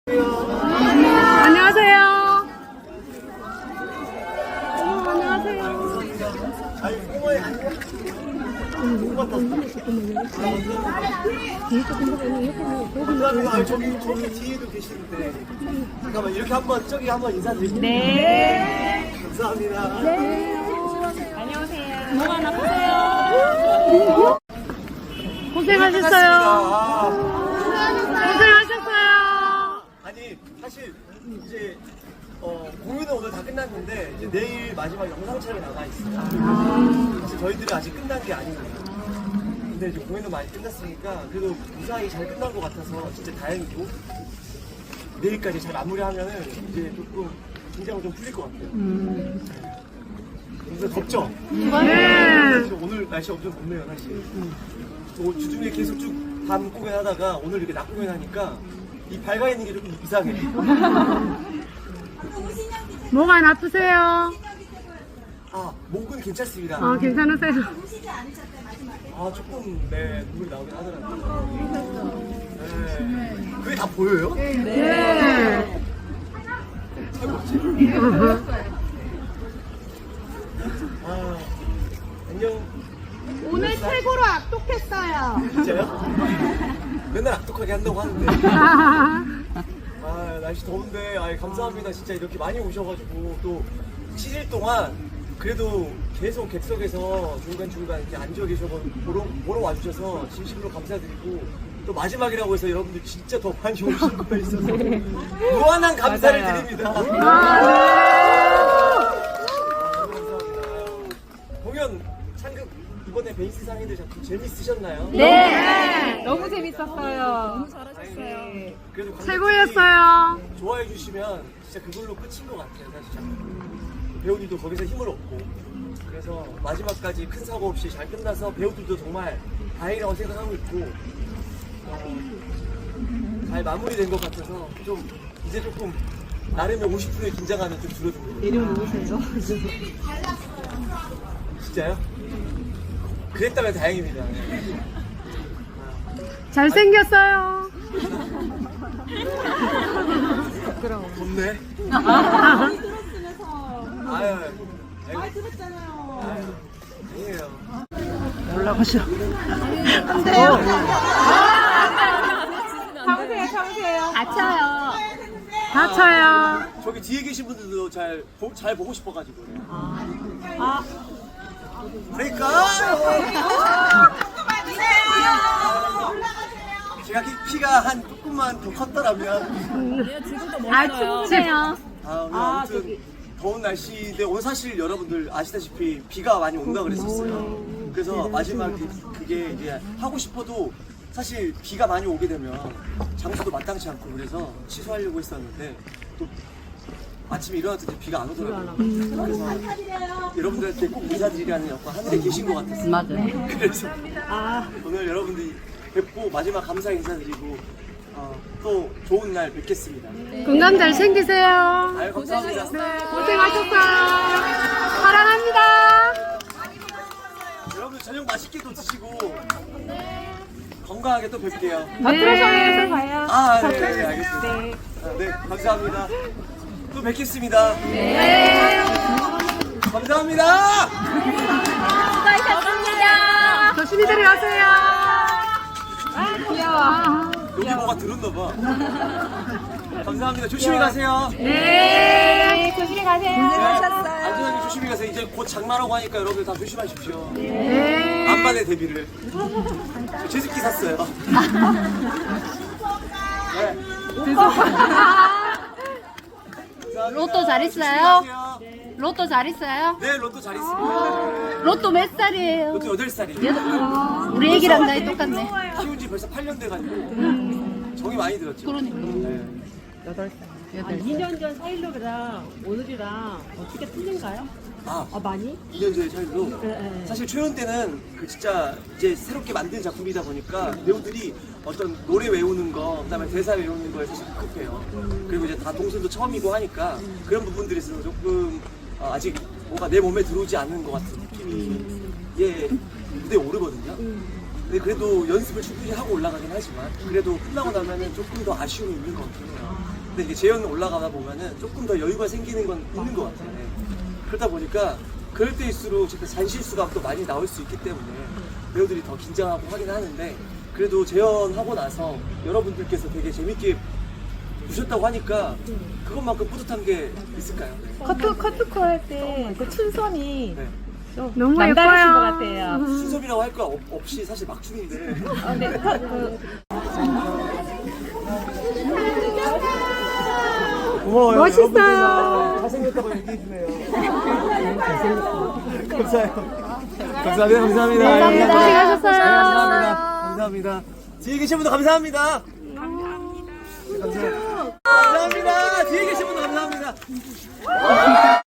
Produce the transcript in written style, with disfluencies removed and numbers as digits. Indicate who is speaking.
Speaker 1: 안녕하세요.
Speaker 2: 저기 뒤에도 계시는데 잠깐만 이렇게 한번 저기 한번 인사드릴게요.
Speaker 1: 네.
Speaker 2: 감사합니다.
Speaker 1: 네. 안녕하세요. 뭐가 나쁘세요? 고생하셨어요. 고생하셨어요.
Speaker 2: 아니 사실 이제 공연은 오늘 다 끝났는데 이제 내일 마지막 영상 촬영 나가 있어요. 사실 저희들은 아직 끝난 게 아니거든요. 근데 이제 공연도 많이 끝났으니까 그래도 무사히 잘 끝난 것 같아서 진짜 다행이고 내일까지 잘 마무리하면은 이제 조금 긴장은 좀 풀릴 것 같아요. 근데 덥죠?
Speaker 1: 네.
Speaker 2: 오늘 날씨 엄청 덥네요, 사실. 주중에 계속 쭉 밤 공연하다가 오늘 이렇게 낮 공연하니까 이 밝아 있는 게 조금 이상해.
Speaker 1: 뭐가 나쁘세요?
Speaker 2: 아, 목은 괜찮습니다.
Speaker 1: 괜찮으세요?
Speaker 2: 아, 조금, 네, 눈물이 나오긴 하더라고요. 네. 그게 다 보여요?
Speaker 1: 네.
Speaker 2: 아, 안녕.
Speaker 3: 오늘 최고로 악독했어요.
Speaker 2: 진짜요? 맨날 악독하게 한다고 하는데. 아, 날씨 더운데, 감사합니다. 진짜 이렇게 많이 오셔가지고, 또 7일 동안 그래도 계속 객석에서 중간중간 이렇게 앉아 계셔서 보러 와주셔서 진심으로 감사드리고, 또 마지막이라고 해서 여러분들 진짜 더 많이 오신 거에 있어서 무한한 감사를 드립니다. 감사합니다. 공연 상극 이번에 베이스 상인들 작품 재밌으셨나요?
Speaker 1: 네.
Speaker 3: 너무 재밌었어요.
Speaker 2: 네. 그래도 관객들이
Speaker 1: 최고였어요.
Speaker 2: 좋아해 주시면 진짜 그걸로 끝인 것 같아요. 사실 배우들도 거기서 힘을 얻고 그래서 마지막까지 큰 사고 없이 잘 끝나서 배우들도 정말 다행이라고 생각하고 있고 잘 마무리된 것 같아서 좀 이제 조금 나름의 50%의 긴장감이 좀 줄어든 거예요.
Speaker 3: 내려놓으세요.
Speaker 2: 진짜요? 그랬다면 다행입니다. 네.
Speaker 1: 잘생겼어요.
Speaker 2: 덥네. 아유, 많이 들었잖아요. 아니에요.
Speaker 1: 올라가시오.
Speaker 3: 참으세요.
Speaker 1: 다쳐요. 다쳐요.
Speaker 2: 저기 뒤에 계신 분들도 잘 보고 싶어가지고. 브레이크! 제가 키가 한 조금만 더 컸더라면.
Speaker 1: 충분해요.
Speaker 2: 오늘 아무튼 더운 날씨인데 오늘 사실 여러분들 아시다시피 비가 많이 온다 그랬었어요. 그래서 마지막 그게 이제 하고 싶어도 사실 비가 많이 오게 되면 장소도 마땅치 않고 그래서 취소하려고 했었는데 또 아침에 일어났더니 비가 안 오더라고요. 그래서 여러분들한테 꼭 인사드리라는 역할 하늘에 계신 것 같았어요.
Speaker 1: 맞아요.
Speaker 2: 그래서 오늘 여러분들이 뵙고 마지막 감사 인사드리고 또 좋은 날 뵙겠습니다.
Speaker 1: 건강 잘 챙기세요.
Speaker 2: 아유, 감사합니다.
Speaker 1: 고생하셨어요. 사랑합니다.
Speaker 2: 여러분들 저녁 맛있게 또 드시고 건강하게 또 뵐게요.
Speaker 1: 네.
Speaker 3: 봐요.
Speaker 2: 네, 알겠습니다. 네, 감사합니다. 또 뵙겠습니다.
Speaker 1: 네.
Speaker 2: 감사합니다.
Speaker 3: 수고하셨습니다.
Speaker 1: 조심히 들어가세요. 귀여워.
Speaker 2: 여기 뭐가 들었나봐. 감사합니다. 조심히 가세요.
Speaker 1: 네.
Speaker 3: 조심히 가세요.
Speaker 2: 안전하게 조심히 가세요. 이제 곧 장마라고 하니까 여러분들 다 조심하십시오.
Speaker 1: 네.
Speaker 2: 안반의 대비를. 제습기 샀어요. 네.
Speaker 1: 로또 잘 있어요?
Speaker 2: 조심하세요.
Speaker 1: 로또 잘 있어요?
Speaker 2: 네, 로또 잘 있습니다.
Speaker 1: 로또 몇 살이에요?
Speaker 2: 로또 8살이에요.
Speaker 1: 우리 애기랑 나이 똑같네.
Speaker 2: 키운 지 벌써 8년 돼가지고 정이 많이 들었죠.
Speaker 1: 그러니까.
Speaker 2: 네.
Speaker 4: 2년 전 사일로랑 오늘이랑 어떻게 틀린가요? 많이?
Speaker 2: 2년 전의 차이로 사실 초연 때는 그 진짜 이제 새롭게 만든 작품이다 보니까 배우들이 어떤 노래 외우는 거 그다음에 대사 외우는 거에 사실 급해요. 그리고 이제 다 동선도 처음이고 하니까 그런 부분들이 있어서 조금 아직 뭔가 내 몸에 들어오지 않는 것 같은 느낌이 무대에 오르거든요. 근데 그래도 연습을 충분히 하고 올라가긴 하지만 그래도 끝나고 나면은 조금 더 아쉬움이 있는 것 같긴 해요. 근데 이게 재연 올라가다 보면은 조금 더 여유가 생기는 건 있는 것 같아요. 그러다 보니까 그럴 때일수록 진짜 잔실수가 또 많이 나올 수 있기 때문에 배우들이 더 긴장하고 하긴 하는데 그래도 재연하고 나서 여러분들께서 되게 재밌게 보셨다고 하니까 그것만큼 뿌듯한 게 있을까요?
Speaker 3: 커트코 할 때 그 춘선이
Speaker 2: 네.
Speaker 3: 좀
Speaker 1: 너무
Speaker 3: 남다르신
Speaker 1: 예뻐요.
Speaker 3: 것 같아요.
Speaker 2: 순섭이라고 할 거 없이 사실 막춤인데
Speaker 3: 네,
Speaker 2: 고마워요.
Speaker 3: 멋있어요.
Speaker 2: 잘생겼다고 얘기해주네요. 감사해요. 감사합니다. 감사합니다.
Speaker 1: 감사합니다. 고생하셨어요.
Speaker 2: 감사합니다. 감사합니다. 뒤에 계신 분도 감사합니다. 감사합니다. 감사합니다. 뒤에 계신 분도 감사합니다.